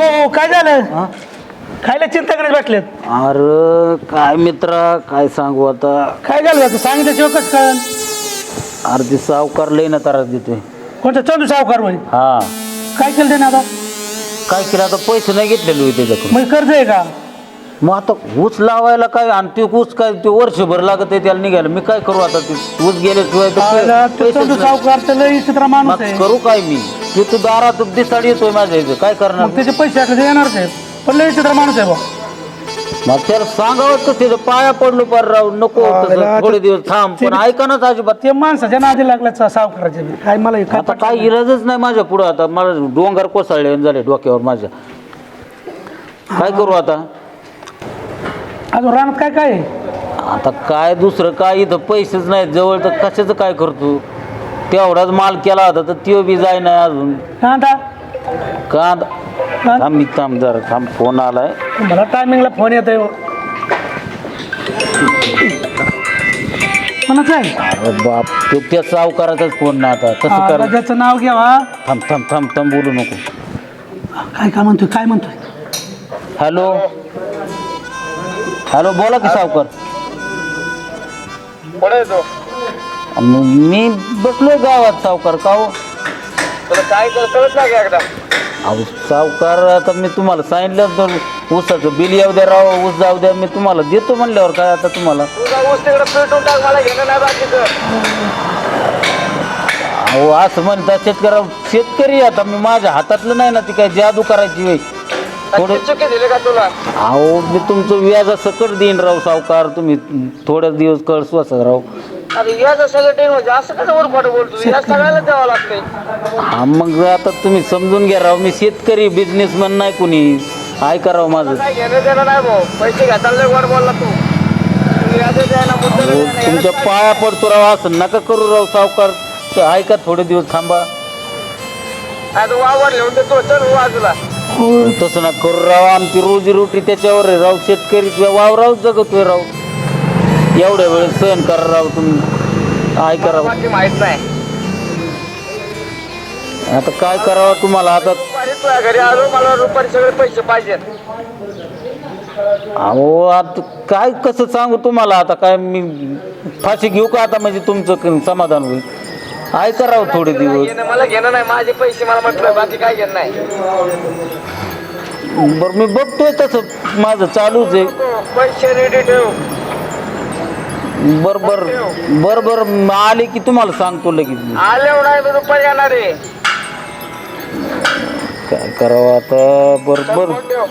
भाऊ काय झालं? खायला चिंता करत बसलेत. अरे काय मित्रा काय सांगू आता. काय झालं तू सांगितल्याशिवाय कसं कळन? अर्धी सावकार लई ना त्रास देतोय. कोणता चंदू सावकार होय? हा काय केलं त्याने आता? काय केलं आता पैसे नाही घेतलेले त्याच्याकडून. मग कर्ज आहे का? मग आता ऊस लावायला काय आणि ते ऊस काय ते वर्षभर लागत आहे त्याला निघायला. मी काय करू आता ते ऊस गेल्याशिवाय चंदू सावकार तर लई चित्रा माणूस आहे. करू काय मी. ते तू दारात दिसाड येतोय माझ्या इथं काय करणार. मग त्याचे पैसे असले येणारच आहे पण लई चित्रा माणूस आहे बा. मग त्याला सांगावं तर त्याच्या पाया पडलो पार राव नको थोडे दिवस थांब पण ऐका ना अजिबात. ते माणसाच्या नादी लागल्या सावकाराचे काय मला आता काय इलाजच नाही माझ्या पुढं. आता मला डोंगर कोसळले झाले डोक्यावर माझ्या. काय करू आता. अजून रानात काय काय आहे? आता काय दुसरं काय इथं पैसेच नाहीत जवळ तर कशाचं काय करतो. तेवढाच माल केला होता तर त्यो बी जाय नाही अजून. कांदा कांदा थांब मी थांब जरा थांब फोन आलाय. मला टायमिंगला फोन येत आहे. कोणाचा आहे? अरे बाप तो त्या सावकाराचाच फोन ना आता कसं कर. त्याचं नाव घ्यावा. थांब थांब थांब थांब बोलू नको. काय काय म्हणतोय काय म्हणतोय? हॅलो हॅलो बोला की सावकार. मी बसलोय गावात सावकार. का हो काय कळत नाही एकदा. अहो सावकार आता मी तुम्हाला सांगितलं तर ऊसाचं बिल येऊ द्या राव ऊस जाऊ द्या मी तुम्हाला देतो म्हणल्यावर काय आता तुम्हाला. तुझा ऊस तिकडे पेटून टाक मला घेणं नाही बाकीचं. अहो असं म्हणतात शेतकरी आता मी माझ्या हातातलं नाही ना ती काय जादू करायची वेळ थोडे. चुकी दिले का तुला? अहो मी तुमचं व्याजा सकट देईन राव सावकार. तुम्ही थोड्या दिवस कळ स्वस्त राव. अरे याचं सगळं टेन म्हणजे असं कसं वर फाटं बोलतो. या सगळ्याला द्यावं लागतंय. हा मग आता तुम्ही समजून घ्या राव. मी शेतकरी बिझनेसमॅन नाही कुणी. ऐका राव माझं. काय घेणं देणं नाही भाऊ. पैसे घेताना वर बोलला तू. व्याजं द्यायला मुद्दल अहो, द्यायला तुमच्या पाया पडतो राव असं नका करू राव सावकार. ऐका थोडे दिवस थांबा. आता वावर लिहून देतो चल बाजूला. तसं ना करू राव. आमची रोजीरोटी त्याच्यावर आहे राव. शेतकरी वावराव जगतोय राव. एवढ्या वेळ सहन करा राव तुम्ही. ऐका राव बाकी माहित नाही. आता काय करावं तुम्हाला आता. दुपारी तुझ्या घरी आलो मला रुपारी सगळे पैसे पाहिजेत. अहो आता काय कसं सांगू तुम्हाला. आता काय मी फाशी घेऊ का आता म्हणजे तुमचं समाधान होईल. ऐका राव थोडे दिवस. मला घेणं नाही. माझे पैसे मला म्हटलं बाकी काय घेणं नाही. बरं मी बघतोय तसं माझं चालूच आहे. पैसे रेडी ठेव. बर बर बर बर आले की तुम्हाला सांगतो लगेच. आले नाही मी दुपारी येणार आहे. काय करावं आता. बरोबर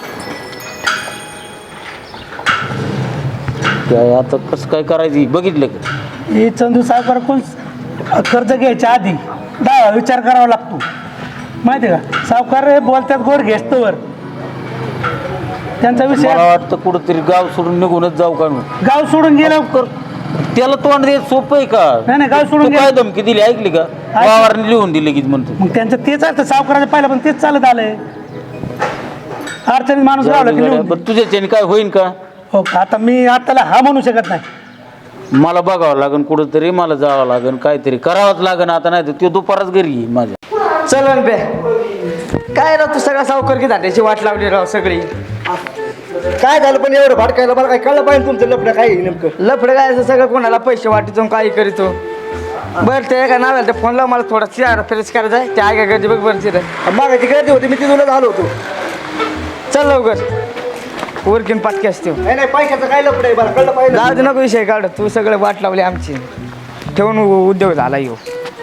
काय आता कसं काय करायचं बघितलं का. हे चंदू सावकार कोण कर्ज घ्यायच्या आधी 10 विचार करावा लागतो माहिती आहे का. सावकार बोलतात गोड घेस्तवर त्यांचा विषय. मला वाटतं कुठंतरी गाव सोडून निघूनच जाऊ का. गाव सोडून गेलं कर त्याला तोंड द्यायचं सोपं आहे का. नाही गाव सोडून तू काय गेलं. धमकी दिली ऐकली का. वावरने लिहून दिले की म्हणतो. मग त्यांचं तेच असतं सावकाराचं पहिला पण तेच चालत आलंय. अडचणीत माणूस लावला की लिहून. तुझ्याच्याने काय होईन का. हो आता मी आताला हा म्हणू शकत नाही. मला बघावं लागेल कुठंतरी. मला जावं लागेल काहीतरी करावंच लागेल आता. नाही तर तो दुपारच घरी येईल माझ्या. चल बे काय राव तू सगळा सावकार की धाट्याची वाट लावली राव सगळी. काय झालं पण एवढं भाडकायला मला काय कळलं पाहिजे तुमचं लफडं काय आहे नेमकं. लफडं काय असं सगळं कोणाला पैसे वाटतो काही करीतो. बरं ते का नाव ते फोन लाव मला थोडा चिरा फ्रेश करायचा आहे. त्या काय गर्दी बघ बरं चिरा मागायची गर्दी होती मी तिथूनच आलो होतो. चल लवकर उरकीन पाटकी असते. नाही पैशाचं काय लफडं आहे मला कळलं पाहिजे. जाऊ दे नको विषय काढ. तू सगळं वाट लावली आमची. ठेवून उद्योग झाला येऊ.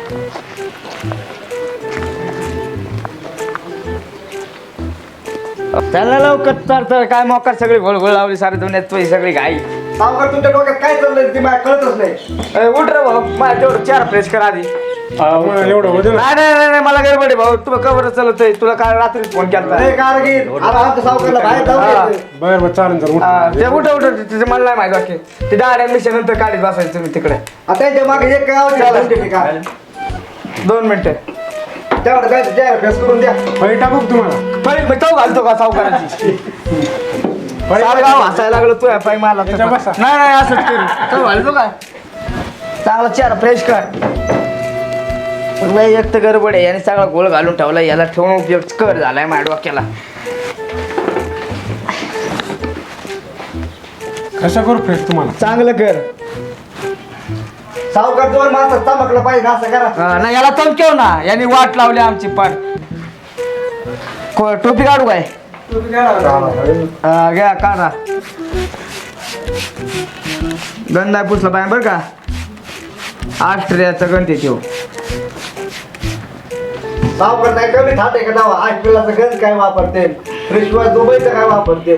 त्याला लवकर तर काय मोकार सगळी घोळघोळ लावली सारे दुनियात पैसे सगळी घाई. सावकार तुमच्या डोक्यात काय चाललंय ते मला कळतच नाही. उठ रे भाऊ मला तेवढं चार फ्रेश कर आधी. एवढं नाही मला गडबड आहे भाऊ. तुला कवर चालतंय. तुला काल रात्री फोन केला. कारगीर आता आमच्या सावकारला बाहेर जाऊ ते उठ तिथे मला नाही माहिती बाकी. ते डाळ ऍडमिशन नंतर काढीत बसायचं तुम्ही तिकडे. आता त्यांच्या मागे एक काय 2 मिनिटं तेवढं जायचं फेस करून द्या. टाकू तुम्हाला पहिले तो घालतो का सावकाराची. गाव हसायला लागलो तू पाय मला. नाही असंच करू. तो घालतो काय चांगला चार फ्रेश कर. एक तर गडबड आहे. याने सगळा गोळ घालून ठेवला. याला ठेवून उपयोग कर झालाय माझ्या डोक्याला. कशा करू फ्रेश तुम्हाला चांगलं कर. सावकार दोन माणसं चमकलं पाहिजे ना, असं करा. नाही याला चमकेव ना, यांनी वाट लावली आमची पाठ. टोपी काढू काय? घ्या काढा. गंध आहे पुसला पाहिजे बरं का. ऑस्ट्रेलियाचा गंध आहे तो. सावकार नाही कमी ठाट आहे का दावा? 8 किलोचं गंज काय वापरते, फ्रेशवर दुबईचं काय वापरते?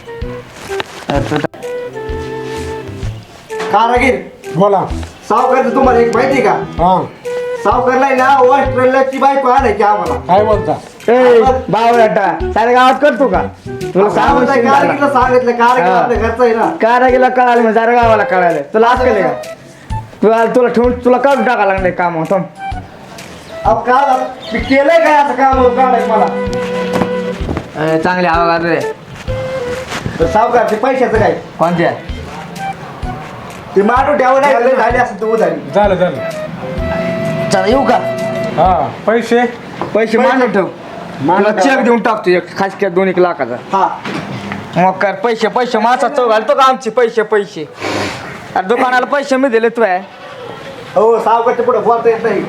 कारागीर बोला. सावकारचं तुम्हाला एक माहिती का? हा सावकारला आहे ना ऑस्ट्रेलियाची बायको आणायची आम्हाला. काय बोलता? बावळाटा साऱ्या गावात करतो का? तुला सांगू कारागीरला सांगितलं, कारागीर आपल्या घरचं आहे ना. कारागीला कळालं म्हणजे साऱ्या गावाला कळालं. तुला आज केलं का? तुला ठेवून तुला काढून टाका लागले काम होतं. अहो का मी केलंय काय असं काम काढाय मला? चांगले आवाज रे. तर सावकार ते पैशाचं काय? कोणत्या? ते माटू ठेवून नाही लय झाली असं तू उधारी. झालं झालं. चला येऊ का? हा पैसे पैसे मांडून ठेव. मांडून तुला ठेवा. चेक देऊन टाकतो एक खास क्या 2-1 लाखाचा. हा मग कर पैसे पैसे माझा चौ घालतो का आमचे पैसे पैसे. अरे दुकानाला पैसे मी दिले तू आहे. हो सावकारच्या पुढे बोलता येत नाही.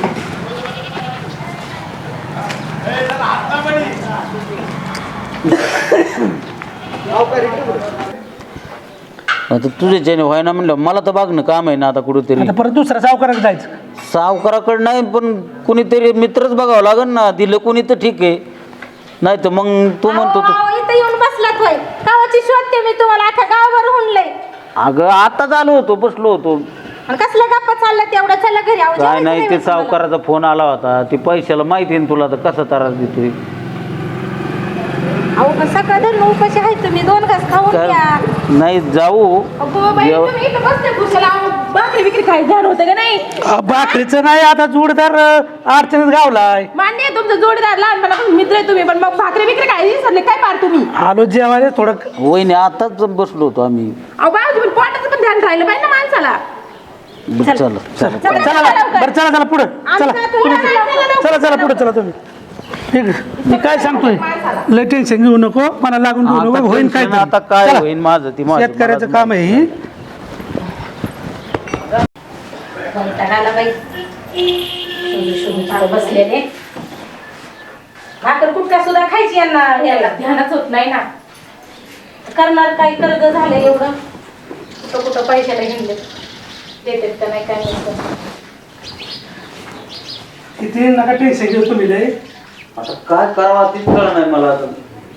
सावकार इकडे पुढे. आता तुझ्याच्याने व्हायना म्हणलं मला तर बघणं काम आहे ना आता कुठेतरी. आता परत दुसऱ्या सावकाराकडे जायचं. सावकाराकडे नाही पण कुणीतरी मित्रच बघावं लागेल ना. दिलं कोणी तर ठीक आहे, नाही तर मग तू म्हणतो इथं येऊन बसलात होय. गावाची शोधते मी तुम्हाला, आता गावभर हुंडलंय. अगं आता चालू होतो, बसलो होतो. आणि कसलं गप्पा चाललं तेवढं, चला घरी. अहो, काय जेवायचं नाही ते होय तुम्हाला. सावकाराचा फोन आला होता. ते पैशाला माहिती आहे ना तुला, तर कसा त्रास देतोय. अहो पण सकाळ धरून उपाशी आहे तुम्ही, 2 घास खाऊन तर घ्या. नाही जाऊ. अगो बाई, जेव- तुम्ही इथं बसले खुशाला. अहो, भाकरी बिकरी खायचं झालं होतं का नाही? भाकरीचं नाही, आता जोडदार अडचणीत गावलाय. मान्य आहे तुमचं जोडीदार, लहानपणापासून मित्र आहे तुम्ही, पण मग भाकरी बिकरी काय विसरले काय पार तुम्ही? आलो जेवायला थोडं. वहिनी आताच बसलो होतो आम्ही. अहो बाळा, तुम्ही पोटाचं पण ध्यान राहिलं पाहिजे ना माणसाला. चला चला. चला, चला चला लवकर. बरं, चला चला पुढं. चला आमचं तुम्ही चला लवकर. चला चला पुढे चला तुम्ही. ठीक आहे, मी काय सांगतोय, लय टेन्शन घेऊ नको, मला लागून घेऊ नको. होईन काय तरी. आता काय चला. होईन माझं ती माझं शेतकऱ्याचं काम आहे ही. वैतागाला बाई. शोधू तिथं बसलेले. भाकर कुटका सुद्धा खायची यांना, याला ध्यानच होत नाही ना. करणार काय, कर्ज झालं एवढं, कुठं कुठं पैशाला घेऊन देतात का नाही काय नाही. किती नका टेन्शन घेऊ तुम्ही लय. आता काय करावं तेच कळलं नाही मला. आता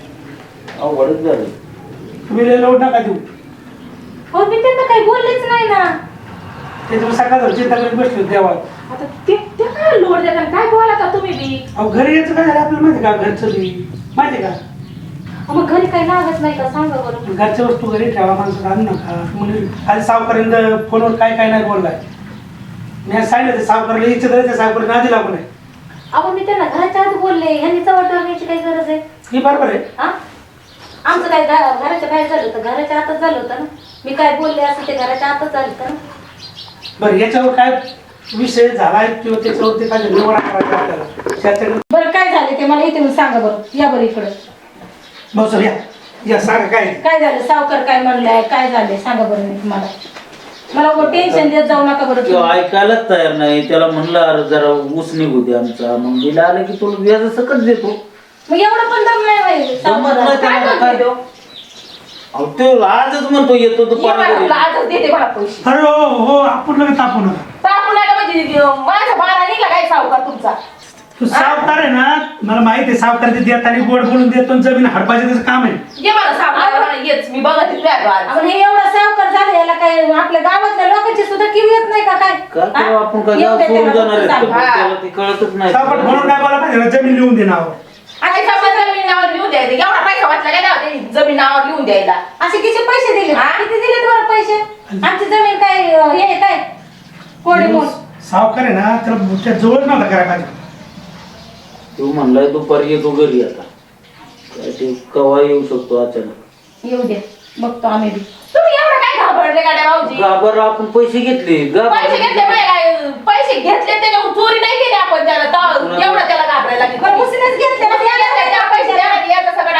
अवघडच झालं. तुम्ही लय लोड नका देऊ. हो मी त्यांना काही बोललेच नाही ना. त्याच्यावर सकाळ चिंता करत बसलो देवा. आता ते काय लोड देतात, काय बोला तुम्ही बी. अहो घरी यायचं काय झालं आपल्याला माहिती का? घरचं बी माहिती का? मग घरी काही लागत नाही का सांगा बरं. घरच्या वस्तू घरी ठेवा, माणसं आणू नका. म्हणजे आज सावकारांना फोनवर काय काय नाही बोललाय. मी आज सांगितलं ते सावकाराला इच्छा त्या सावकाराने आधी लागू नाही. अहो मी त्यांना घराच्या आत बोलले, ह्यांनी चवट वागण्याची काही गरज आहे? ही बरोबर आहे. हा? आमचं काय घराच्या बाहेर झालं होतं, घराच्या आतच झालं होतं ना. मी काय बोलले असं ते घराच्या आतच झालं होतं ना. बरं याच्यावर काय विषय झालाय किंवा त्याच्यावर ते काय निवडा करायचा आपल्याला त्याच्याकडे. बरं काय झालं ते मला इथे येऊन सांगा बरं. या बरं इकडं. भाऊ सर या सांगा काय. काय झालं, सावकार काय म्हणलंय, काय झालंय सांगा बरं मी तुम्हाला. मला टेन्शन देत जाऊ नका बरं तो तुम्ही. ऐकायलाच तयार नाही. त्याला म्हणलं अरे जरा ऊस निघू दे आमचा. मग गेला आलं की तुला व्याज सकट देतो. मग एवढं पण दम नाही बाई जमत सावकाराला. नाही काय त्याला, म्हणतोय तो? अहो तो आजच म्हणतो येतो ये दुपारी मला, घरी. तुला आजच देते मला पैसे. अरे हो हो आपण लगेच तापू नका. तापू नका म्हणजे माझ्या बाळा निघला काय सावकार तुमचा. तू सावकार आहे ना, मला माहिती आहे सावकार ते देताना गोड बोलून देतो आणि जमीन हडपायचं त्याचं काम आहे. ये मला सावकार येच मी बघत आपण हे एवढं सावकार झालं, याला काय आपल्या गावातल्या लोकांची सुद्धा किव येत नाही का काय? काय करू आपण, काय गाव सोडून जाणार आहेत का? पण त्याला ते कळतच नाही. सावकार म्हणून काय बोला पाहिजे ना, जमीन लिहून दे नाव. आणि जमीन नावावर लिहून द्यायचं, एवढा पैसा वाचला काय नाही जमीन नावावर लिहून द्यायला. असे किती पैसे दिले, किती दिले तुम्हाला पैसे? आमची जमीन काय हे काय कोणी म्हणून सावकार आहे ना, त्याला त्या जवळ नव्हता करायला पाहिजे. तू म्हणलाय दुपारी येतो घरी. आता काय ते केव्हा येऊ शकतो अचानक. येऊ दे, बघतो आम्ही बी. तुम्ही एवढं काय घाबरले गाड्या भाऊजी? घाबर आपण पैसे घेतले. पैसे घेतले काय? पैसे घेतले त्याच्यावर चोरी नाही केली आपण त्याला. एवढं त्याला घाबरायला लागली. पण उसनेच घेतले ना, त्या पैसे द्या ना, याचं सगळं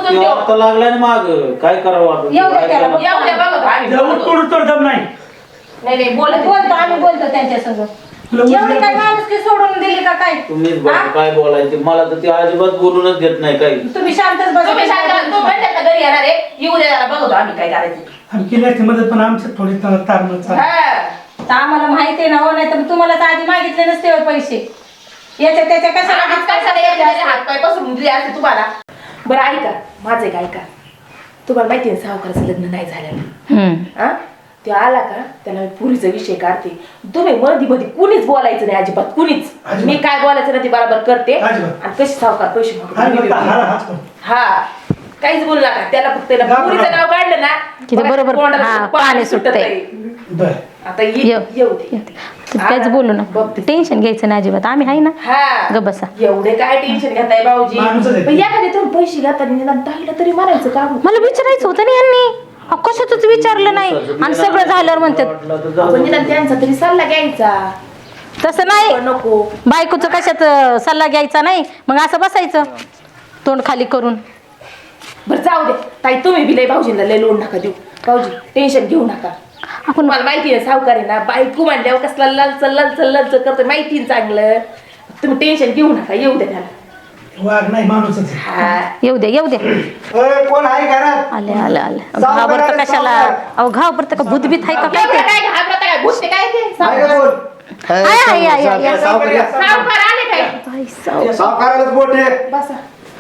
गुंतून देऊ आता लागला ना माग काय करावं आता? येऊ दे त्याला येऊ दे बघतो आम्ही जवळ तोड तर दम नाही नाही नाही बोलतो आम्ही बोलतो त्यांच्या संग एवढी काय माणूस की सोडून दिली का काय तुम्हीच बघा काय बोलायचे मला तर ते अजिबात बोलूनच देत नाही काही. तुम्ही शांतच बसा तुम्ही शांत तू म्हणते का घरी येणार आहे येऊ दे त्याला बघतो आम्ही काय करायचं आम्ही केली असते मदत पण आमचं थोडी तारण चालू तर आम्हाला माहिती आहे ना हो नाही तर तुम्हाला तर आधी मागितले नसते हो पैसे याच्या त्याच्या कशाला हातपाय पसरून दिले असते तुम्हाला बरं ऐका माझं एक ऐका तुम्हाला माहिती आहे सावकाराचं लग्न नाही झालेलं हा ते आला का त्याला मी पुरीचा विषय काढते तुम्ही मध्ये मध्ये कुणीच बोलायचं नाही अजिबात कुणीच मी काय बोलायचं ना ते बरोबर करते आणि कशी सावकार पैसे मागतो हा काहीच बोलू नका त्याला फक्त पुरीचं नाव काढलं ना की ते बरोबर पाणी सुटतंय. आता येऊ दे काहीच बोलू ना टेन्शन घ्यायचं नाही अजिबात आम्ही आहे ना हा ग बसा एवढे काय टेन्शन घेताय भाऊजी पण एखाद्या तुम्ही पैसे घेताना निदान ताईला तरी म्हणायचं का मला विचारायचं होतं ना यांनी कशातच विचारलं नाही आणि सगळं झाल्यावर म्हणतात आपण निदान त्यांचा तरी सल्ला घ्यायचा तसं नाही नको बायकोचं कशात सल्ला घ्यायचा नाही मग असं बसायचं तोंड खाली करून बरं जाऊ दे ताई तुम्ही बी लय भाऊजींना लय लोड नका देऊ भाऊजी टेन्शन घेऊ नका आपण मला माहिती आहे सावकार आहे ना बायको म्हणल्यावर कसला लल करतो माहिती आहे चांगलं तुम्ही टेन्शन घेऊ नका येऊ दे त्याला वाघ नाही माणूसच आहे. हा येऊ दे ओय, कोण आहे घरात आले आले आले घाबरतं कशाला अहो घाबरतं का भूतभीत आहे का काय एवढं ते काय घाबरता काय भूतते काय ते आहे का कोण? आहे. सावकार आले काय सावकारालाच बोट आहे. बसा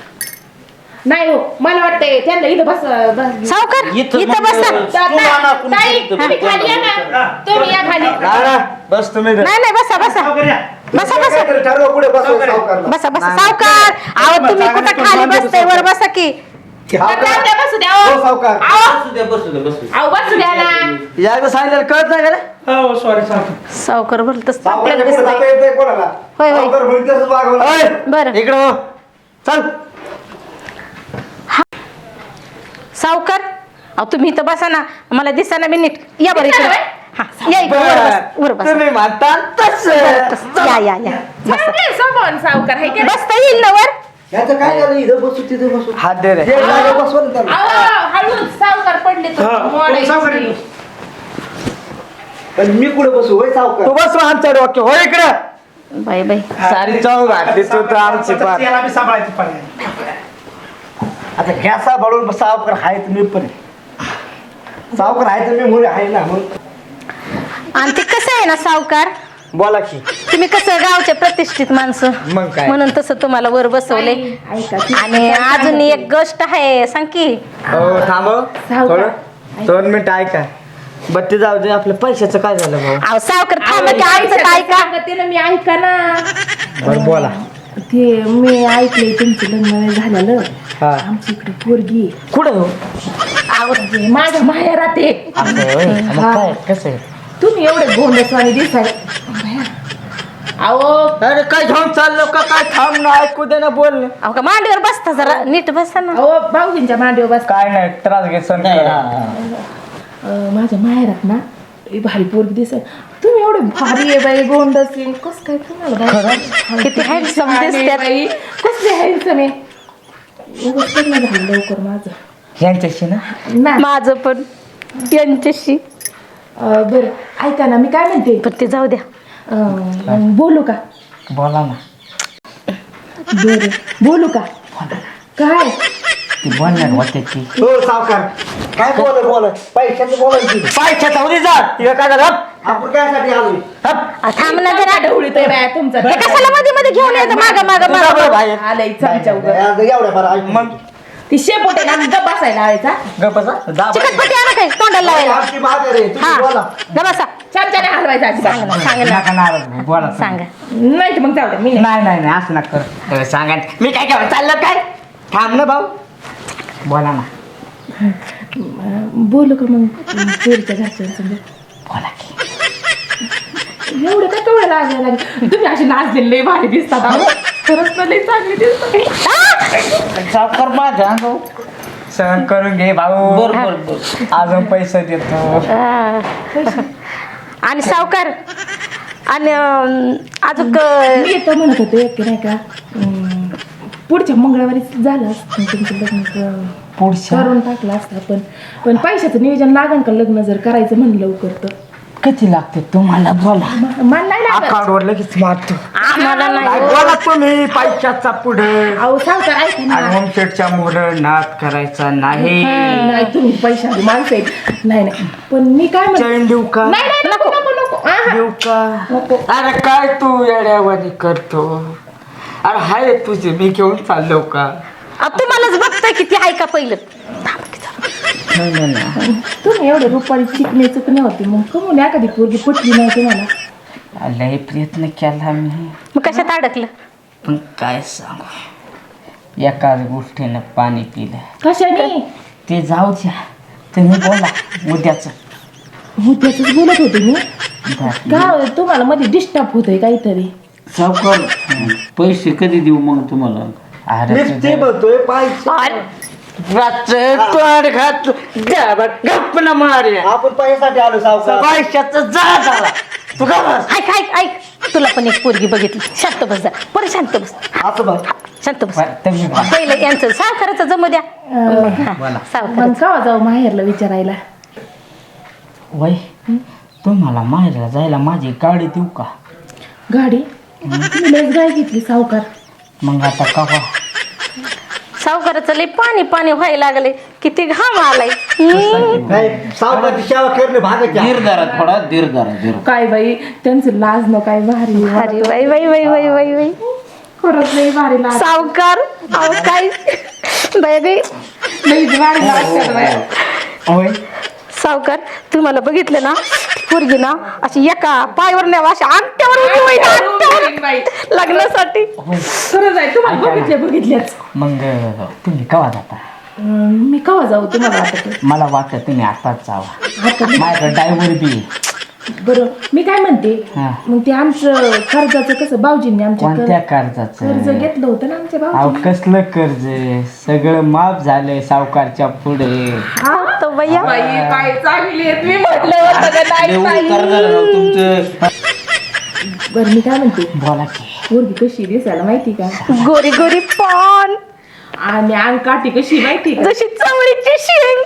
नाही हो मला वाटतंय त्यांना इथं बस सावकार इथं इथं मग बसा तू आणा कुणी ताई इथं तुम्ही खाली या ना तुम्ही या खाली बस तुम्ही नाही नाही बसा बसा सावकार या. बसा बसा काहीतरी ठरवा पुढे बसव सावकारला. बसा बसा सावकार अहो तुम्ही कुठं खाली बसताय वर बसा की सावकार. बसू द्या हो हो. सावकार बसू दे बसू दे बसू दे. अहो बसू द्या ना यायला सांगितलं कळत नाही का रे हो सॉरी सावकार सावकार बोलत सावकारच्या आपल्याला पुढे दिसतंय. जाता येत नाही कोणाला होय, होय. सावकार म्हणते तसंच वागावं लागतं. ओय, बरं इकडं हो. चल सावकार अहो तुम्ही इथं बसा ना मला दिसा ना मी नीट या बरं इकडे हा या इकडे वर बस तुम्ही म्हणता तसं. या या या बसा चांगले समोर सावकार आहे की नाही? बसता येईल ना वर याचं काय झालं इथं बसू तिथं बसू हात दे रे एक जागा बसवा ना त्याला. अहो, हळूच सावकार पडले तर हा, मोडायची. सावकार येतो. पण मी कुठे बसू होय सावकार तू बस आमच्या डोक्या हो इकडं बाय बाय सारी चव घातली तू तर आमची आता पार याला बी सांभाळायचं पर्याय आता घ्यासा बळून सावकार आहे तर मी पण आहे. सावकार आहे तर मी मुली आहे ना मग आणि ते कसं आहे ना सावकार बोला की तुम्ही कसं गावचे प्रतिष्ठित माणसं मग काय म्हणून तसं तुम्हाला वर बसवले ऐका की आणि अजून एक गोष्ट आहे सांग की हो थांब थोडं 2 मिनिट ऐका बत्ती जाऊ दे आपल्या पैशाचं काय झालं भाऊ अहो सावकार थांबा की आमचं काय का सांगते ना मी ऐका ना बरं बोला ते मी ऐकलंय तुमचं लग्न नाही झालेलं हा आमची इकडे पोरगी आहे. कुठं हो म्हणजे माझ्या माहेरात आहे असं होय? मग काय कसं आहे? तुम्ही एवढे गोंडसवाणी दिसाय अहो अरे काय घेऊन चाललो का काय थांब ना ऐकू दे ना बोल ना. अहो का मांडीवर बसता जरा नीट बसा ना अहो भाऊजींच्या मांडीवर बस काय नाही त्रास घे सण नाही, कर. हा. माझ्या माहेरात ना लई भारी पोरगी दिसाय तुम्ही एवढे भारी आहे बाई गोंडसी कस काय तुम्हाला बाई? किती handsome छान आहे दिसतात. बाई कसले हँडसम आहे उगाच लग्न झालं लवकर माझं यांच्याशी ना ना माझं पण यांच्याशी बरं ऐका ना मी काय म्हणते पण ते जाऊ द्या बोलू का बोला ना बरं बोलू का काय ती बोलणार होते ती हो सावकार काय बोल पैशाचं बोलायची पैशाचा उदी जा तिला काय झालं आपण कायसाठी आलोय थांब ना जरा ढवळीतोय बाया तुमचा हे कशाला मध्ये मध्ये घेऊन येतं माग माग तुझा बरं माग बाहेर आलंय चमच्या उगाच. एवढ्या बरं ऐक मग ती शेपोटे ना गप बसायला लावायचा गपसा जा चिकटपट्टी आणा काय तोंडाला लावायला आमची मागे रे हा तुम्ही बोला जा बसा चमच्याने हलवायचा अजिबात. सांगा ना नका नाराज भाऊ, बोला सांगा नाही तर मग जाऊ दे मी नाही. नाही नाही नाही असं नका करू. सांगा ना. मी काय काय चाललं काय थांब ना भाऊ बोला ना बोलू का मग पोरीच्या घरच्यांसंग बोला की एवढं काय कवळ लागायला लागेल तुम्ही अशी नाचलेले लय भारी दिसतात अहो. खरंच ना लय चांगली दिसतात सावकार माझ्या भाऊ सहन करून घे भाऊ बर बर बर अजून पैसे देतो आणि सावकार आणि अजून मी येतो म्हणत होते की नाही का पुढच्या मंगळवारी झालं असतं तुमचं लग्न पुढच्या करून टाकलं असतं पण पण पैशाचं नियोजन लागन का लग्न जर करायचं म्हणलं लवकर तर किती लागते तुम्हाला बोला मला नाही लागत अकाउंटवर लगेच मारतो आम्हाला नाही नाही, बोला तुम्ही पैशाचा पुढे अहो सावकार ऐका ना आणि होमशेटच्या मुलं नाद करायचा नाही नाही तुम्ही पैसा माणसं आहेत नाही नाही पण मी काय म्हणते चैन देऊ का नाही नाही नको नको नको आहा. देऊ का नको अरे काय तू येड्यावानी करतो अरे हाय तुझे मी घेऊन चाललो का तुम्हालाच बघताय किती आहे का पहिलं तुम्ही एवढे रुपारी शिकणे चुकणे होते मग कमून एखादी पोरगी पटली नाही तुम्हाला लय प्रयत्न केला मी मग कशात अडकलं पण काय सांगू एकाच गोष्टीनं पाणी पिलं कशाने ते जाऊ द्या तुम्ही बोला उद्याच त्याच बोलत होते मी का तुम्हाला मध्ये डिस्टर्ब होतोय काहीतरी सावकार पैसे कधी देऊ मग तुम्हाला अरे मी ते बोलतोय पाहिजे तोंड घात गप्प ना मारे आपण पैशासाठी आलो सावकार पैशाचं जा झाला तू का बस ऐक ऐक ऐक तुला पण एक पोरगी बघितली शांत बस जा बरं शांत बस असं बघ शांत बस तुम्ही बोला. पहिलं यांचं सावकाराचं जमू द्या सावकार मग का जाऊ माहेरला विचारायला वय तुम्हाला माहेरला जायला माझी गाडी देऊ का गाडी तुम्ही लयच गाय घेतली सावकार मग आता कवा सावकाराचं लय पाणी पाणी व्हायला लागले किती घाम आलाय नाही सावकारची सेवा करणे भागाच्या धीर धरा थोडा धीर धरा धीर काय बाई त्यांचं लाज न काय भारी अरे बाई बाई बाई बाई बाई बाई खरंच लई भारी लाज सावकार अहो काय बाई बाई लईच भारी लाज बाई. होय सावकार तुम्हाला बघितलं ना पोरगी ना अशी एका पायावर नाही अशी अंगठ्यावर उभी होईल, अंगठ्यावर लग्नासाठी खरंच आहे तुम्हाला बघितल्याच मग तुम्ही कवा जाता मी कवा जाऊ तुम्हाला वाटत मला वाटतं तुम्ही आताच जावा माझ्याकडे ड्रायव्हर बी आहे. बरं मी काय म्हणते हा. मग ते आमचं कर्जाचं कसं भाऊजींनी आमच्या कोणत्या कर्ज कर्जाचं घेतलं होतं ना आमच्या अहो भाऊ कसलं कर्ज सगळं माफ झालंय सावकारच्या पुढे तो भैया काय चांगली आहे मी म्हटलं होतं का नाही देऊ ताई? कर झालं राव तुमचं बरं मी काय म्हणते बोला की पोरगी कशी दिसायला माहिती का गोरी गोरी पान आणि अंगकाठी कशी माहिती का जशी चवळीची शेंग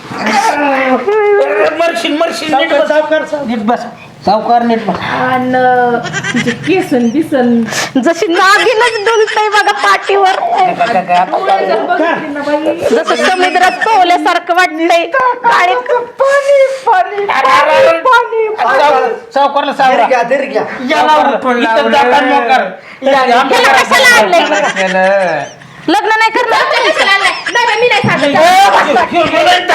सावकार नीट बस सावकार नीट बघ. आणि तिचे केसन बिसन जशी नागिनच डुलतय बघा पाठीवर डोळे जर बघितले ना बाई, जसं समुद्रात पोहल्यासारखं वाटतंय काळे सावकारला सावरा धीर घ्या याला उठून इथं जाता मोकार. याला कशाला आणलंय? लग्न नाही करणार मी नाही सांगत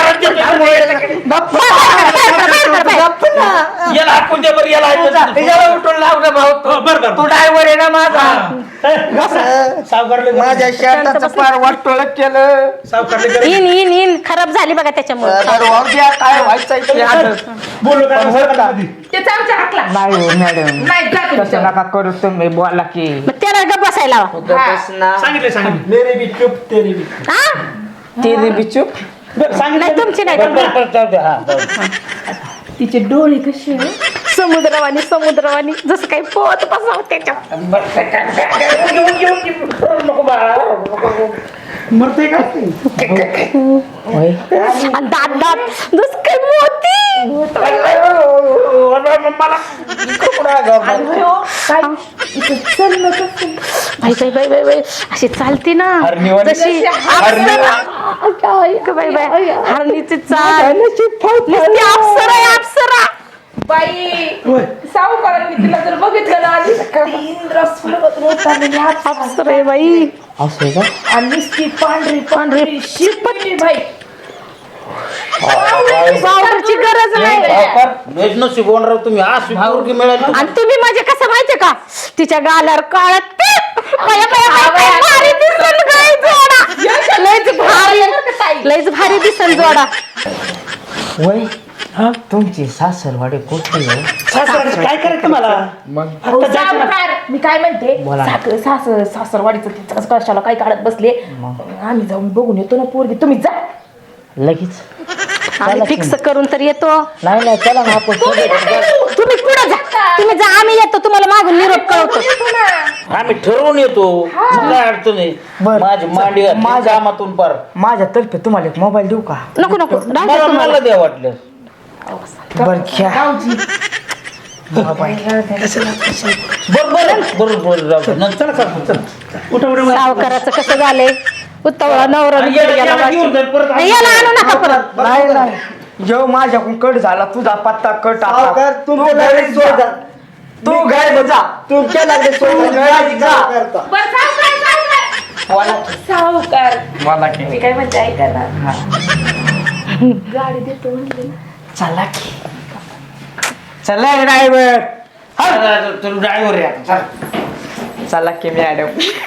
याला हाकून दे बरं, याला ऐकून दे. उठून लावलं भाऊ तू ड्रायव्हर आहे ना माझा माझ्या शर्टाचं पार वाटोळ केलं इन इन इन खराब झाली बघा त्याच्यामुळे बरं, वाहू द्या, काय व्हायचं ते आता. बोललो का त्याचा आमच्या हाकला नाही हो मॅडम नाही जा तुम्ही. तसं नका करू तुम्ही बोला की मग त्याला गप बसायला हवा. बस ना सांगितलं मेरे भी चुप तेरे भी हा? तेरी बिचूप नाही तुमची नाही तिचे डोळे कसे आहे? समुद्रवाणी समुद्रवाणी जसं काही पोहत बसावं त्याच्यात मरते का आणि दात दात जसं काही मोती आणि हो, काय इथं चाललं कसं? बाई बाई बाई बाई बाई अशी चालते ना जशी अप्सरा काय ग बाई बाई हरणीची चाल नुसती अप्सरा आहे अप्सरा बाई सावकारांनी तिला जर बघितलं ना आधी इंद्र स्वर्गातून आलेली अप्सरा आहे बाई असं का आणि नुसती पांढरी पांढरी शिपली बाई पावडरची गरज नाही सावकार लयच नशीब होणार तुम्ही अशी पोरगी मिळाली आणि तुम्ही माझे कसं माहितीये का तिच्या गालावर काळात लयच भारी दिसन जोडा वय तुमची सासरवाडी कुठली आहे काय करायचं मला अहो, सावकार, मी काय म्हणते सासरवाडीचं तिचं कसं कशाला काय काढत बसले आम्ही जाऊन बघून येतो ना पोरगी तुम्ही जा लगेच आम्ही फिक्स करून तर येतो नाही चला ना आपण तुम्ही नका येऊ. तुम्ही पुढे जा, तुम्ही जा, आम्ही येतो तुम्हाला मागून निरोप कळवतो. आम्ही ठरवून येतो, मग काय अडचण आहे. बरं. माझी मांडी घातली माझ्या- कामातून पार. माझ्यातर्फे तुम्हाला एक मोबाईल देऊ का? नको नको राहू द्या मला तुम्हाला. मला द्या वाटलं. बरं घ्या. बरोबर राहू दे. नंतर उठा उठा सावकाराचं कसं झालंय उत्तवळा नवरा आणि निघून गेला याला घेऊन जाईल परत. बाकी. याला आणू नका परत. नाही नाही जेव्हा माझ्याकडून कट झाला तुझा पत्ता कट आता. सावकार तुमच्या लागले सोय तू घरी जा. तुमच्या लागले सोय बरं, सावकार मला की मी काय म्हणते ऐका ना, गाडी देतो म्हणले ना. चला की चला ड्रायव्हर तुम्ही ड्रायव्हर आहे आता. चल. चला की मॅडम.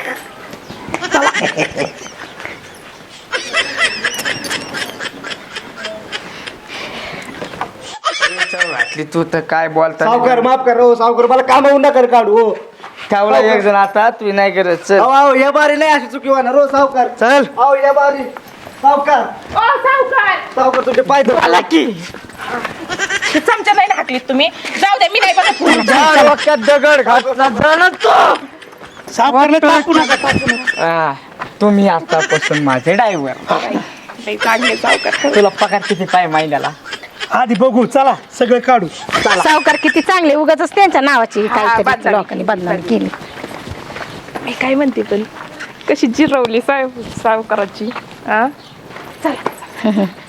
घातली तू तर काय बोलता सावकार माफ कर हो सावकार मला कामावून नका काढू हो ठेवला एक जण आता तू नाही करत चल अहो या बारी नाही अशी चुकी होणार हो सावकार चल अहो या बारी सावकार ओ सावकार, सावकार तुझे पाय धरू. आला की हे चमचा नाही हाकलीत तुम्ही. जाऊ दे, मी नाही बघत पुढे. झाड वाक्यात दगड घातला जण तो सावकारला टाकू नका टाकू नका. तुम्ही आतापासून माझे ड्रायव्हर लई चांगले सावकार. तुला पगार किती पाय महिन्याला आधी बघू चला सगळं काढू. सावकार किती चांगले उगाच त्यांच्या नावाची काहीतरी बदनामी. लोकांनी बदनामी केली. मी काय म्हणते पण कशी जिरवली सावकाराची. हा चला